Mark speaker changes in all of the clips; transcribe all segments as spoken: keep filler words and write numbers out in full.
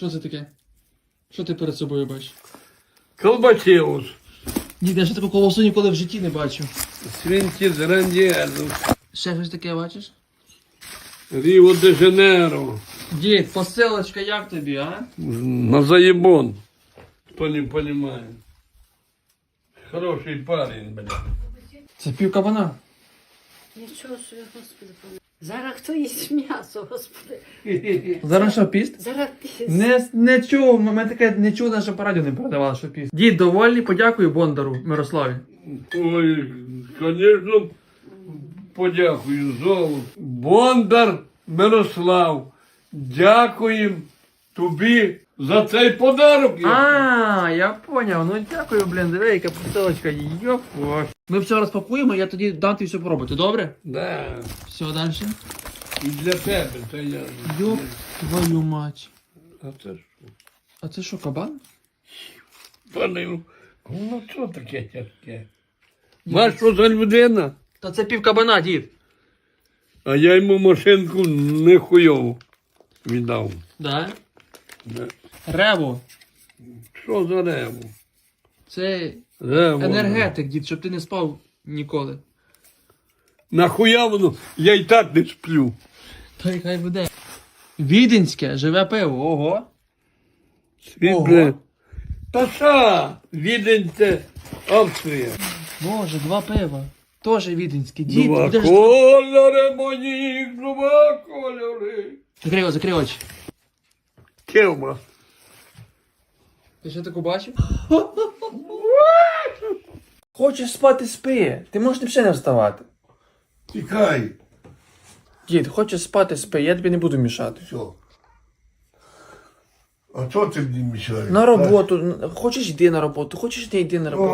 Speaker 1: Що це таке? Що ти перед собою бачиш?
Speaker 2: Колбасеус.
Speaker 1: Дід, я ще таку колосу ніколи в житті не бачив.
Speaker 2: Свинки з Рандіану.
Speaker 1: Ще щось таке бачиш?
Speaker 2: Ріо де Жанейро.
Speaker 1: Дід, посилочка як тобі, а?
Speaker 2: На заебон. Хто не понимає. Хороший парень, блядь.
Speaker 1: Це пів кабана.
Speaker 3: Нічого собі, Господи, помилуй. Зараз хто їсть м'ясо, Господи.
Speaker 1: Зараз що, піст?
Speaker 3: Зараз піс.
Speaker 1: Не, не чув, мене таке не чув, навіть по радіо не передавали, що піст. Дід, довольний, подякую Бондару Мирославі.
Speaker 2: Ой, звісно, подякую золу. Бондар Мирослав, дякуємо тобі за цей подарок.
Speaker 1: А, я поняв. Ну дякую, блін, диви, яка посилочка. Йоп. Ми все розпакуємо, я тоді дам тобі все пробувати, добре?
Speaker 2: Да.
Speaker 1: Все, далі.
Speaker 2: І для тебе, це я.
Speaker 1: Йоп, твою мать.
Speaker 2: А це що?
Speaker 1: А це що, кабан?
Speaker 2: Пане, ну що таке тяжке? Маш, що за людина?
Speaker 1: Та це пів кабана, дід.
Speaker 2: А я йому машинку нехуйову віддав.
Speaker 1: Да?
Speaker 2: Да.
Speaker 1: Рево.
Speaker 2: Що за реву?
Speaker 1: Це
Speaker 2: Рево.
Speaker 1: енергетик, дід, щоб ти не спав ніколи.
Speaker 2: Нахуя воно? Я й так не сплю.
Speaker 1: Та й хай буде. Віденське, живе пиво, ого.
Speaker 2: Світле. Та ша, Відень це Австрія.
Speaker 1: Боже, два пива. Тоже віденське. Дід,
Speaker 2: Два
Speaker 1: будеш...
Speaker 2: кольори мої, два кольори.
Speaker 1: Закрий очі, закрий очі.
Speaker 2: Кевма.
Speaker 1: Ти ще таку бачив? Хочеш спати, спи. Ти можеш ще не вставати.
Speaker 2: Тікай.
Speaker 1: Дід, хочеш спати, спи, я тобі не буду мішати.
Speaker 2: Все. А що ти мені мішаєш?
Speaker 1: На роботу. Хочеш йди на роботу, хочеш не йди на роботу.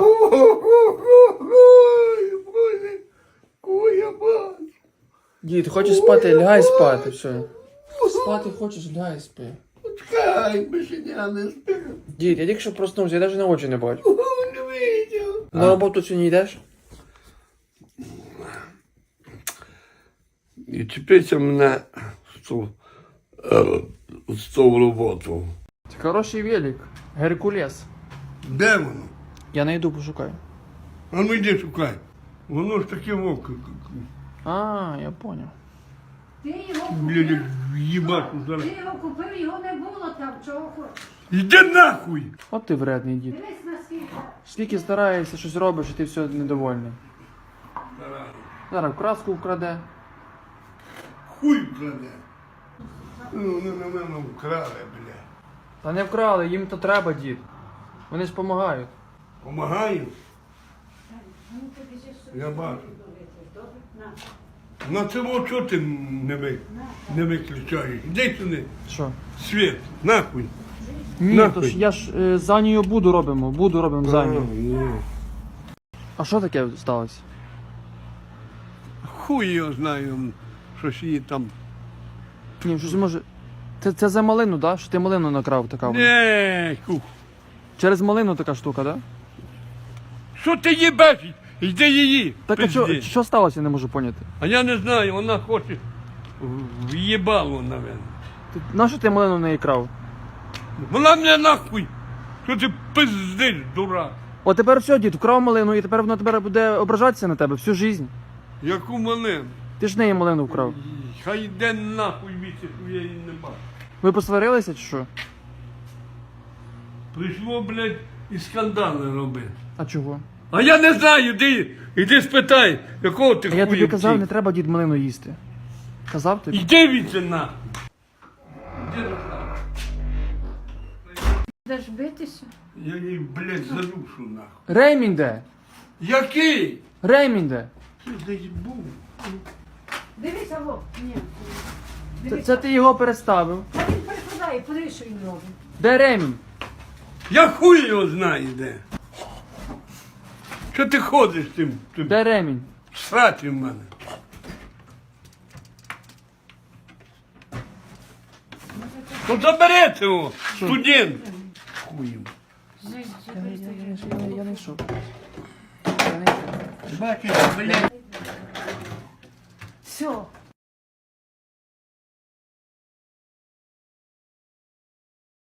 Speaker 2: Ой, Боже, кого я бачу?
Speaker 1: Дід, хочеш спати, лягай спати, все. Спати хочеш, лягай спи.
Speaker 2: Чекай, бешеня не спи.
Speaker 1: Дід, я тільки що проснувся, я навіть на очі не бачу.
Speaker 2: Не видів.
Speaker 1: На роботу сьогодні йдеш?
Speaker 2: І чіпися мене з цю, е, з цю роботу.
Speaker 1: Це хороший велик. Геркулес.
Speaker 2: Де воно?
Speaker 1: Я найду, пошукаю.
Speaker 2: А ну йди шукай. Воно ж таке вовк.
Speaker 1: А, я понял.
Speaker 3: Ти його
Speaker 2: Блядь,
Speaker 3: купив,
Speaker 2: їбаку зараз.
Speaker 3: ти його купив, його не було там, чого хочеш.
Speaker 2: Іди нахуй!
Speaker 1: От ти вредний дід.
Speaker 3: Дивись на скільки.
Speaker 1: Скільки стараєшся, щось робиш, і ти все недовольний. Зараз краску вкраде.
Speaker 2: Хуй краде. Ну, вони на мене вкрали, бля.
Speaker 1: Та не вкрали, їм то треба, дід. Вони ж допомагають.
Speaker 2: Помагаю?
Speaker 3: Ну, тобі ще щось
Speaker 2: Я бачу.
Speaker 3: добре? На.
Speaker 2: На цього чого ти не, ви, не виключаєш? Іди сюди.
Speaker 1: Що?
Speaker 2: Світ, нахуй.
Speaker 1: Ні,
Speaker 2: Нахуй.
Speaker 1: то ж я ж е, за нею буду робимо, буду робимо за нею.
Speaker 2: Ні.
Speaker 1: А що таке сталося?
Speaker 2: Хуй його знаю, щось її там.
Speaker 1: Ні, щось може. Це, це за малину, да? Що ти малину накрав така? вона?
Speaker 2: Не, кух.
Speaker 1: Через малину така штука, да?
Speaker 2: Що ти їбеш? Йди її.
Speaker 1: Так а що,
Speaker 2: пизди.
Speaker 1: що сталося, я не можу поняти.
Speaker 2: А я не знаю, вона хоче в- в'їбало, навіть.
Speaker 1: Ти, на що ти малину в неї крав?
Speaker 2: Вона мене нахуй. Що ти пиздиш, дурак?
Speaker 1: О, тепер все, дід, вкрав малину, і тепер вона тепер буде ображатися на тебе всю життя.
Speaker 2: Яку малину?
Speaker 1: Ти ж в неї малину вкрав.
Speaker 2: Хай йде нахуй віці, що я її не бачу.
Speaker 1: Ви посварилися чи що?
Speaker 2: Прийшло, блядь, і скандали робити.
Speaker 1: А чого?
Speaker 2: А я не знаю, іди, іди спитай, якого ти
Speaker 1: А я тобі
Speaker 2: хуя
Speaker 1: казав,
Speaker 2: втік.
Speaker 1: не треба дід малину їсти. Казав тобі?
Speaker 2: Іди віці нахуй. Іди нахуй.
Speaker 3: Будеш битися?
Speaker 2: Я її, блядь, задушу нахуй.
Speaker 1: Ремінь де?
Speaker 2: Який?
Speaker 1: Ремінь де?
Speaker 2: Ти десь був.
Speaker 3: Дивися, во. Ні.
Speaker 1: Це,
Speaker 3: Дивися.
Speaker 1: це ти його переставив.
Speaker 3: А він прикладає, подивись, що він робить.
Speaker 1: Де ремінь?
Speaker 2: Я хуй його знаю де. Що ти ходиш тим? тим
Speaker 1: Де ремінь?
Speaker 2: сраті в мене. Ну заберете його, студент. Хуєм.
Speaker 1: Я не йшов.
Speaker 2: Бачиш, блядь.
Speaker 3: Все,